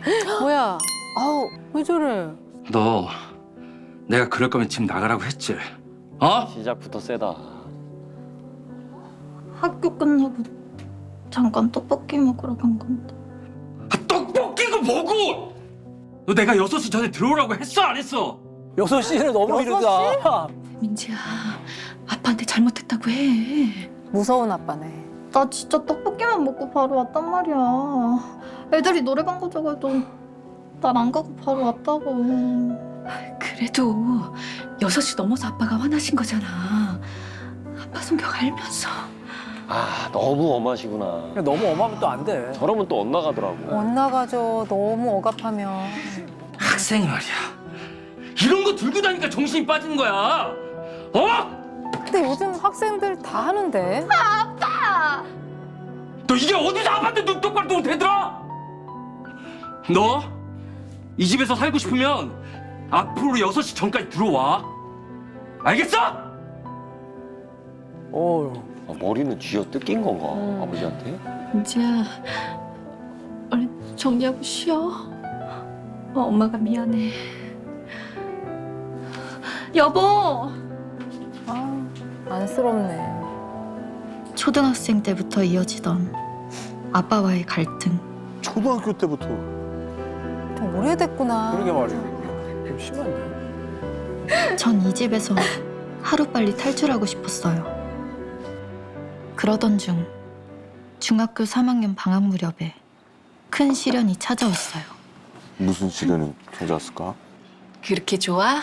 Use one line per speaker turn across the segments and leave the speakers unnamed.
뭐야? 아우, 왜 저래?
너 내가 그럴 거면 집 나가라고 했지? 어?
시작부터 세다.
학교 끝나고 잠깐 떡볶이 먹으러 간 건데.
아, 떡볶이가 뭐고? 너 내가 6시 전에 들어오라고 했어 안 했어?
6시는 너무 이르다.
민지야, 아빠한테 잘못했다고 해.
무서운 아빠네.
나 진짜 떡볶이만 먹고 바로 왔단 말이야. 애들이 노래방 가자고 해도 날 안 가고 바로 왔다고.
그래도 6시 넘어서 아빠가 화나신 거잖아. 아빠 성격 알면서.
아, 너무 엄하시구나.
너무 엄하면 또 안 돼.
저러면 또 엇나가더라고.
엇나가죠. 너무 억압하면.
학생이 말이야. 이런 거 들고 다니니까 정신이 빠지는 거야. 어?
근데 요즘 학생들 다 하는데.
아빠!
너 이게 어디서 아빠한테 눈 똑바로 뜨고 대들어? 너 이 집에서 살고 싶으면 앞으로 6시 전까지 들어와. 알겠어?
어휴.
아, 머리는 쥐어 뜯긴 건가? 아버지한테?
민지야, 얼른 정리하고 쉬어. 엄마가 미안해. 여보!
아, 안쓰럽네.
초등학생 때부터 이어지던 아빠와의 갈등.
초등학교 때부터.
좀 오래됐구나.
그러게 말이야. 좀 심한데.
전 이 집에서 하루빨리 탈출하고 싶었어요. 그러던 중 중학교 3학년 방학 무렵에 큰 시련이 찾아왔어요.
무슨 시련이 찾아왔을까?
그렇게 좋아?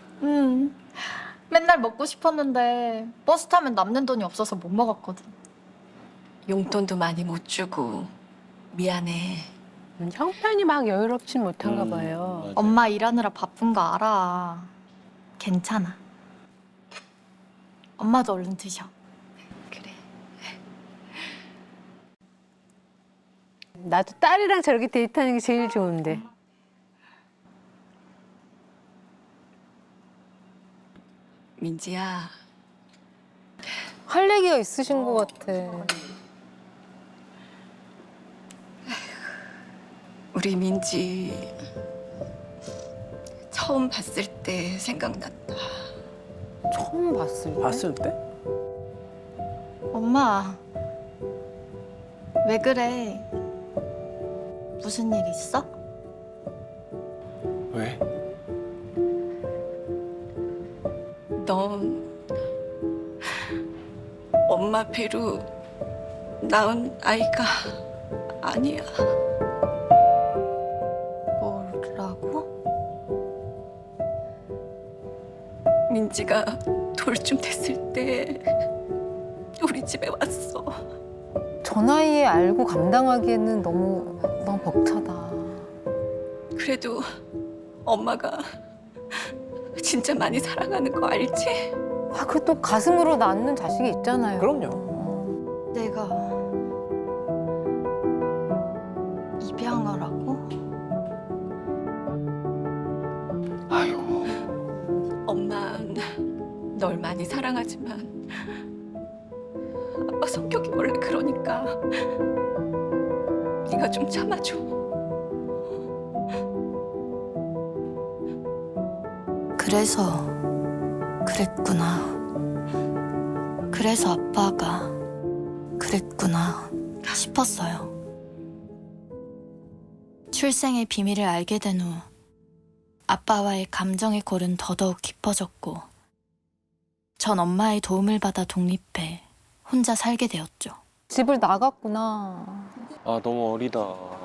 맨날 먹고 싶었는데 버스 타면 남는 돈이 없어서 못 먹었거든.
용돈도 많이 못 주고 미안해.
형편이 막 여유롭진 못한가 봐요.
맞아.
엄마 일하느라 바쁜 거 알아. 괜찮아. 엄마도 얼른 드셔.
그래.
나도 딸이랑 저렇게 데이트하는 게 제일 좋은데.
민지야,
할 얘기가 있으신 것 같아.
우리 민지 처음 봤을 때 생각났다.
처음 봤을 때.
봤을 때?
엄마, 왜 그래? 무슨 일 있어?
왜?
넌 엄마 배로 낳은 아이가 아니야.
뭐라고?
민지가 돌쯤 됐을 때 우리 집에 왔어.
저 나이에 알고 감당하기에는 너무 벅차다.
그래도 엄마가 진짜 많이 사랑하는 거 알지?
아, 그 또 가슴으로 낳는 자식이 있잖아요.
그럼요.
내가 입양하라고?
아이고.
엄만 널 많이 사랑하지만 아빠 성격이 원래 그러니까 네가 좀 참아줘.
그래서 그랬구나. 그래서 아빠가 그랬구나 싶었어요. 출생의 비밀을 알게 된 후 아빠와의 감정의 골은 더더욱 깊어졌고 전 엄마의 도움을 받아 독립해 혼자 살게 되었죠.
집을 나갔구나.
아, 너무 어리다.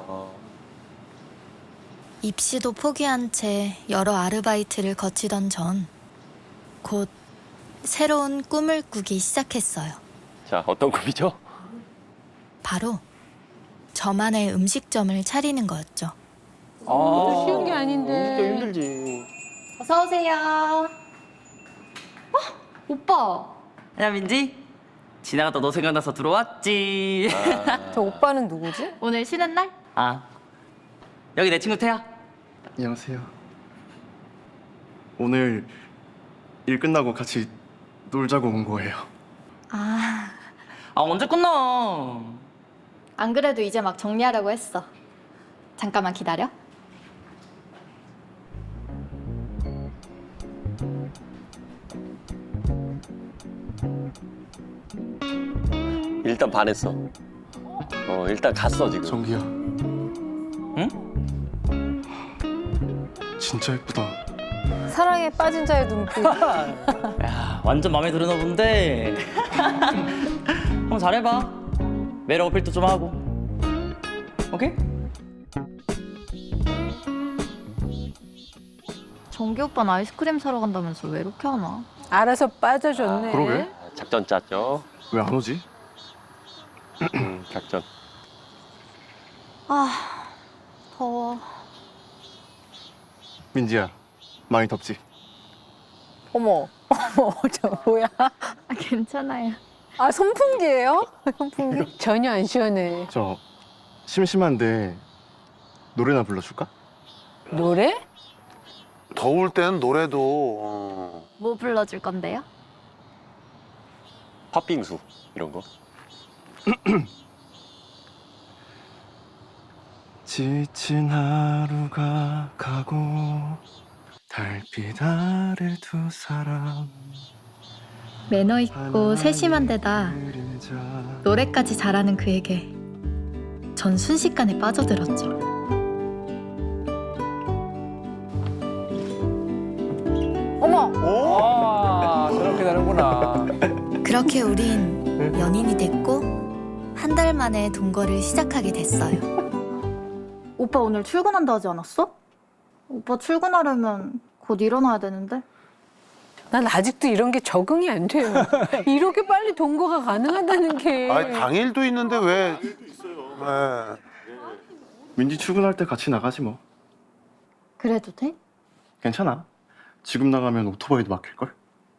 입시도 포기한 채 여러 아르바이트를 거치던 전 곧 새로운 꿈을 꾸기 시작했어요.
자, 어떤 꿈이죠?
바로 저만의 음식점을 차리는 거였죠.
아, 쉬운 게 아닌데.
진짜 힘들지.
어서 오세요. 오빠.
야 민지 지나가다 너 생각나서 들어왔지.
저 오빠는 누구지?
오늘 쉬는 날?
아 여기 내 친구 태야.
안녕하세요. 오늘 일 끝나고 같이 놀자고 온 거예요.
아,
아 언제 끝나?
안 그래도 이제 막 정리하려고 했어. 잠깐만 기다려.
일단 반했어. 일단 갔어 지금.
정기야. 응? 진짜 예쁘다.
사랑에 빠진 자의 눈빛.
야, 완전 마음에 드나 본데. 한번 잘해봐. 매력 어필도 좀 하고. 오케이?
정기 오빠는 아이스크림 사러 간다면서 왜 이렇게 하나?
알아서 빠져줬네.
그러게.
작전 짰죠.
왜 안 오지?
작전.
아, 더워.
민지야, 많이 덥지?
어머, 저 뭐야?
괜찮아요.
아, 선풍기예요? 선풍기? 전혀 안 시원해.
저 심심한데 노래나 불러줄까?
노래?
더울 땐 노래도
뭐 불러줄 건데요?
팥빙수 이런 거.
지친 하루가 가고 달빛 아래 두 사람
매너 있고 세심한 데다
그림자.
노래까지 잘하는 그에게 전 순식간에 빠져들었죠.
어머!
아, 저렇게 되는구나.
그렇게 우린 연인이 됐고 한 달 만에 동거를 시작하게 됐어요. 오빠 오늘 출근한다 하지 않았어? 오빠 출근하려면 곧 일어나야 되는데.
난 아직도 이런 게 적응이 안 돼요. 이렇게 빨리 동거가 가능하다는 게.
아니 당일도 있는데 왜? 네.
민지 출근할 때 같이 나가지 뭐.
그래도 돼?
괜찮아. 지금 나가면 오토바이도 막힐걸?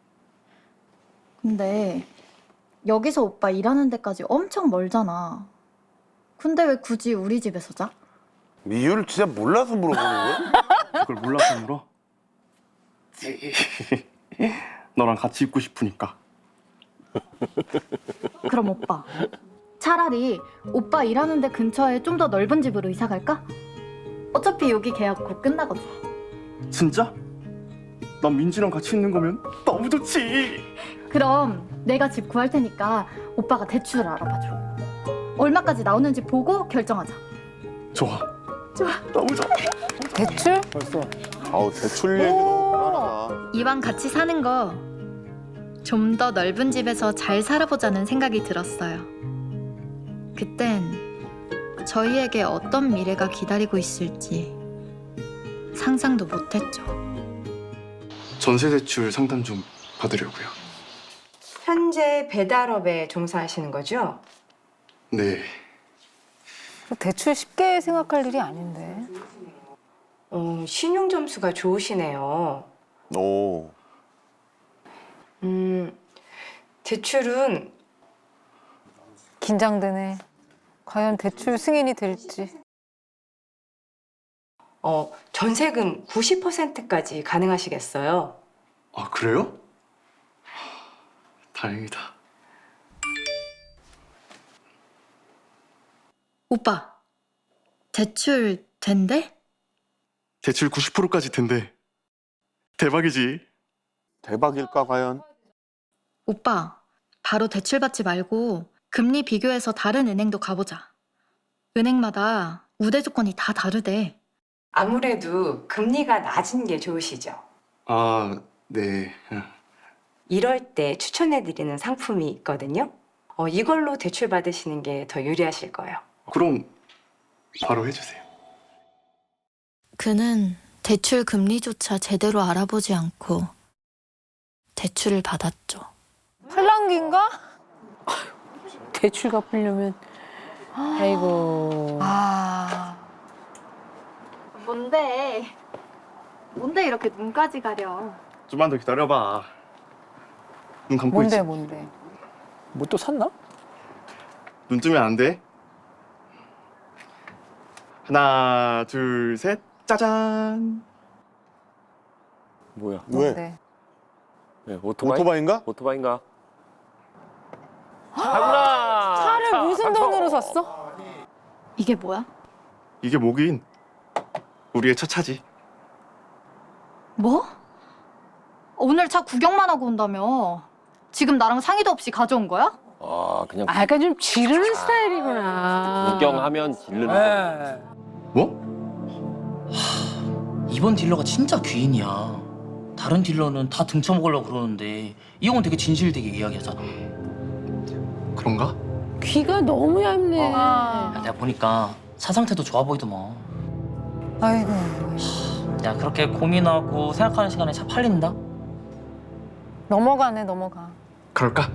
근데 여기서 오빠 일하는 데까지 엄청 멀잖아. 근데 왜 굳이 우리 집에서 자?
이유를 진짜 몰라서 물어보는 거야?
그걸 몰라서 물어? 너랑 같이 있고 싶으니까.
그럼 오빠 차라리 오빠 일하는 데 근처에 좀 더 넓은 집으로 이사 갈까? 어차피 여기 계약 곧 끝나거든.
진짜? 난 민지랑 같이 있는 거면 너무 좋지.
그럼 내가 집 구할 테니까 오빠가 대출을 알아봐줘. 얼마까지 나오는지 보고 결정하자.
좋아.
좋아.
너무 좋아.
대출?
벌써.
아우 대출 얘기 너무 불안하다.
이왕 같이 사는 거 좀 더 넓은 집에서 잘 살아보자는 생각이 들었어요. 그땐 저희에게 어떤 미래가 기다리고 있을지 상상도 못했죠.
전세 대출 상담 좀 받으려고요.
현재 배달업에 종사하시는 거죠?
네.
대출 쉽게 생각할 일이 아닌데.
신용 점수가 좋으시네요.
오.
대출은
긴장되네. 과연 대출 승인이 될지.
전세금 90%까지 가능하시겠어요?
아 그래요? 다행이다.
오빠, 대출 된대?
대출 90%까지 된대. 대박이지.
대박일까 과연?
오빠, 바로 대출 받지 말고 금리 비교해서 다른 은행도 가보자. 은행마다 우대 조건이 다 다르대.
아무래도 금리가 낮은 게 좋으시죠?
아 네.
이럴 때 추천해드리는 상품이 있거든요. 이걸로 대출 받으시는 게 더 유리하실 거예요.
그럼 바로 해주세요.
그는 대출 금리조차 제대로 알아보지 않고 대출을 받았죠.
팔랑귀인가? 대출 갚으려면. 아이고. 아.
뭔데 이렇게 눈까지 가려?
좀만 더 기다려봐. 눈 감고
뭔데,
있지.
뭔데?
뭐 또 샀나?
눈 뜨면 안 돼. 하나, 둘, 셋, 짜잔.
뭐야?
왜?
뭔데?
네, 오토바이?
오토바이인가?
오토바이인가?
차를 무슨 돈으로 샀어?
이게 뭐야?
이게 뭐긴? 우리의 첫 차지.
뭐? 오늘 차 구경만 하고 온다며? 지금 나랑 상의도 없이 가져온 거야?
아 그냥
아, 약간 좀 지르는 스타일이구나.
구경하면 질르는 거.
네.
뭐?
이번 딜러가 진짜 귀인이야. 다른 딜러는 다 등쳐먹으려고 그러는데 이 형은 되게 진실되게 이야기하잖아.
그런가?
귀가 너무 얇네.
야, 내가 보니까 차 상태도 좋아 보이더만.
아이고.
야, 그렇게 고민하고 생각하는 시간에 차 팔린다?
넘어가네, 넘어가.
그럴까?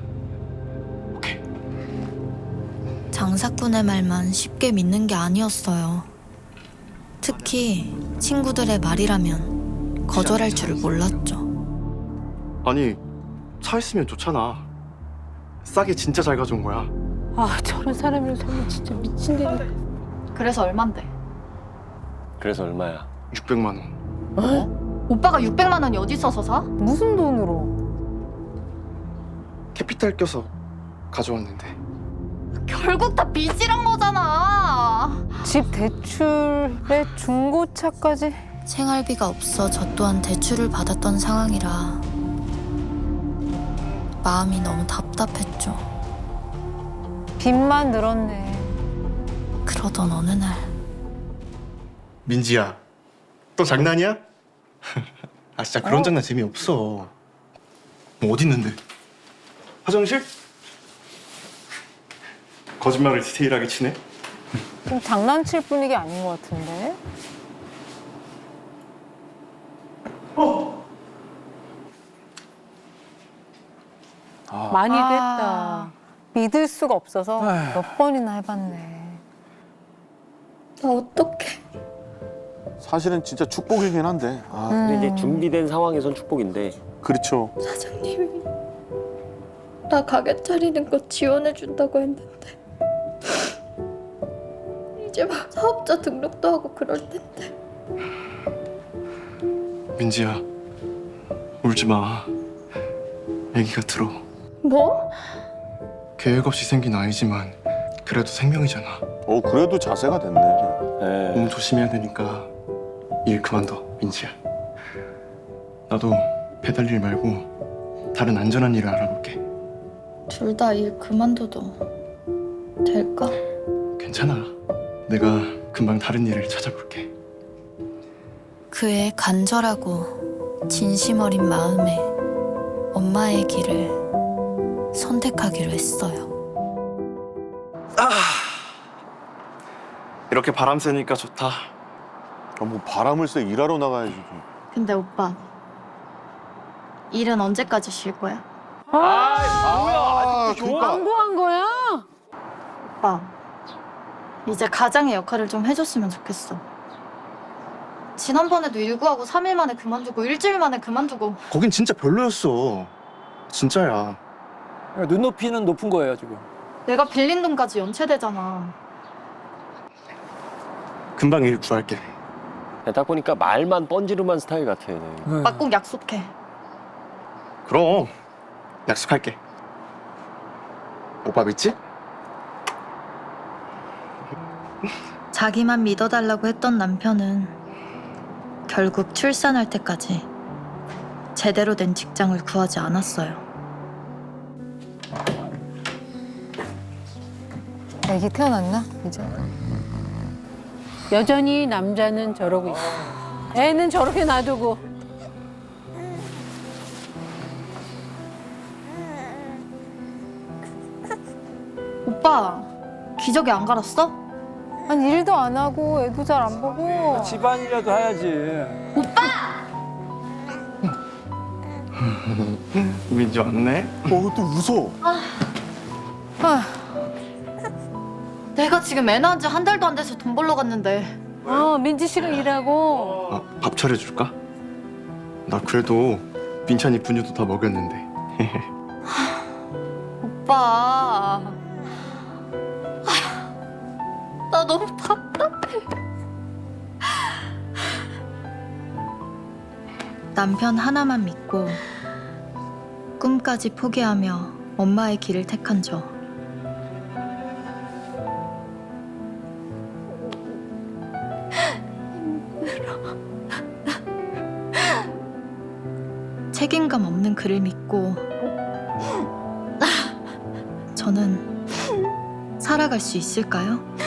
장사꾼의 말만 쉽게 믿는 게 아니었어요. 특히 친구들의 말이라면 거절할 줄을 몰랐죠.
아니 차 있으면 좋잖아. 싸게 진짜 잘 가져온 거야.
아, 저런 사람이랑 살면 진짜 미친다니까.
그래서 얼만데?
그래서 얼마야?
600만 원.
오빠가 600만 원이 어디 있어서 사?
무슨 돈으로?
캐피탈 껴서 가져왔는데.
결국 다 빚이란 거잖아.
집 대출에 중고차까지?
생활비가 없어 저 또한 대출을 받았던 상황이라 마음이 너무 답답했죠.
빚만 늘었네.
그러던 어느 날
민지야, 또 장난이야? 아 진짜 그런 장난 재미없어. 뭐 어디 있는데? 화장실? 거짓말을 디테일하게 치네.
좀 장난칠 분위기 아닌 것 같은데? 많이 됐다. 믿을 수가 없어서
아휴.
몇 번이나 해봤네.
나 어떡해.
사실은 진짜 축복이긴 한데. 아,
근데 이제 준비된 상황에선 축복인데
그렇죠.
사장님이 나 가게 차리는 거 지원해준다고 했는데 이제 막 사업자 등록도 하고 그럴 텐데.
민지야, 울지 마. 애기가 들어.
뭐?
계획 없이 생긴 아이지만 그래도 생명이잖아.
그래도 자세가 됐네.
네.
몸 조심해야 되니까 일 그만둬, 민지야. 나도 배달 일 말고 다른 안전한 일을 알아볼게.
둘 다 일 그만둬도 될까?
괜찮아. 내가 금방 다른 일을 찾아볼게.
그의 간절하고 진심 어린 마음에 엄마의 길을 선택하기로 했어요.
이렇게 바람 쐬니까 좋다.
뭐 바람을 쐬 일하러 나가야지.
근데 오빠 일은 언제까지 쉴 거야?
뭐야? 그러니까
광고한 거야?
오빠 이제 가장의 역할을 좀 해줬으면 좋겠어. 지난번에도 일구하고 3일 만에 그만두고 일주일 만에 그만두고.
거긴 진짜 별로였어. 진짜야.
눈높이는 높은 거예요 지금.
내가 빌린 돈까지 연체되잖아.
금방 일 구할게.
딱 보니까 말만 뻔지르만 스타일 같아. 얘네.
오빠 꼭 약속해.
그럼 약속할게. 오빠 믿지?
자기만 믿어달라고 했던 남편은 결국 출산할 때까지 제대로 된 직장을 구하지 않았어요.
애기 태어났나? 이제? 여전히 남자는 저러고 있어. 애는 저렇게 놔두고.
오빠 기저귀 안 갈았어?
아니, 일도 안 하고 애도 잘 안 보고.
집안이라도 해야지.
민지 왔네.
또 웃어.
내가 지금 애 낳은 지 한 달도 안 돼서 돈 벌러 갔는데
민지 씨가 일하고.
밥 차려줄까? 나 그래도 민찬이 분유도 다 먹였는데.
오빠 나 너무 답답해. 남편 하나만 믿고 꿈까지 포기하며 엄마의 길을 택한 저. 책임감 없는 그를 믿고 전 저는 살아갈 수 있을까요?